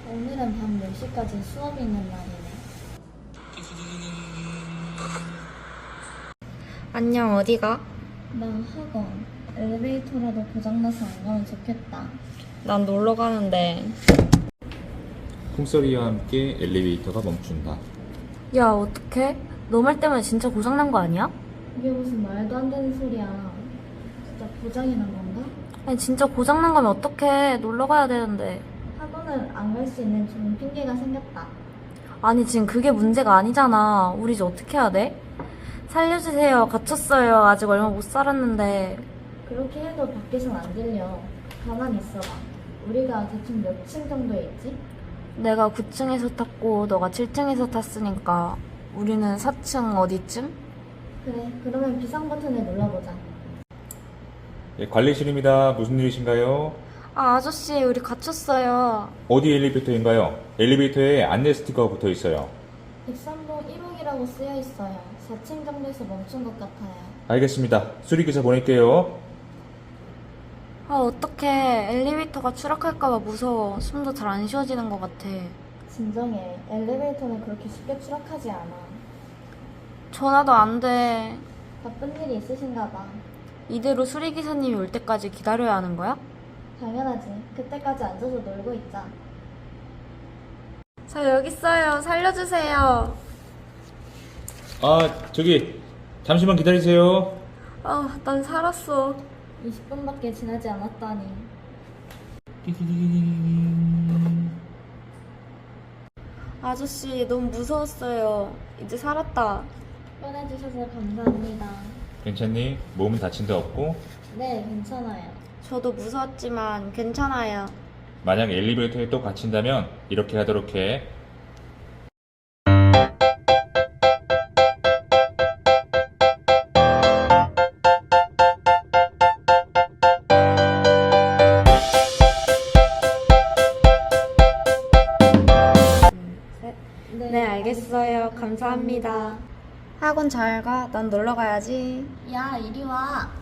오늘은 밤 10시까지 수업이 있는 날이네. 안녕, 어디가? 나 학원. 엘리베이터라도 고장나서 안 가면 좋겠다. 난 놀러 가는데. 풍소리와 함께 엘리베이터가 멈춘다. 야, 어떡해? 너 말 때문에 진짜 고장난 거 아니야? 이게 무슨 말도 안 되는 소리야. 진짜 고장이 난 건가? 아니, 진짜 고장난 거면 어떡해? 놀러 가야 되는데. 학원을 안 갈 수 있는 좋은 핑계가 생겼다. 아니, 지금 그게 문제가 아니잖아. 우리 이제 어떻게 해야 돼? 살려주세요. 갇혔어요. 아직 얼마 못 살았는데. 그렇게 해도 밖에선 안 들려. 가만히 있어봐. 우리가 대충 몇 층 정도에 있지? 내가 9층에서 탔고 너가 7층에서 탔으니까 우리는 4층 어디쯤? 그래, 그러면 비상 버튼을 눌러보자. 예, 관리실입니다. 무슨 일이신가요? 아, 아저씨, 우리 갇혔어요. 어디 엘리베이터인가요? 엘리베이터에 안내 스티커가 붙어 있어요. 103동 1호기라고 쓰여 있어요. 4층 정도에서 멈춘 것 같아요. 알겠습니다. 수리기사 보낼게요. 아, 어떡해. 엘리베이터가 추락할까봐 무서워. 숨도 잘 안 쉬어지는 것 같아. 진정해. 엘리베이터는 그렇게 쉽게 추락하지 않아. 전화도 안 돼. 바쁜 일이 있으신가 봐. 이대로 수리기사님이 올 때까지 기다려야 하는 거야? 당연하지. 그때까지 앉아서 놀고 있자. 저 여기 있어요. 살려주세요. 저기 잠시만 기다리세요. 아, 난 살았어. 20분밖에 지나지 않았다니. 아저씨, 너무 무서웠어요. 이제 살았다. 꺼내주셔서 감사합니다. 괜찮니? 몸은 다친 데 없고? 네, 괜찮아요. 저도 무서웠지만 괜찮아요. 만약 엘리베이터에 또 갇힌다면 이렇게 하도록 해. 네, 알겠어요. 감사합니다. 학원 잘 가. 난 놀러 가야지. 야, 이리 와.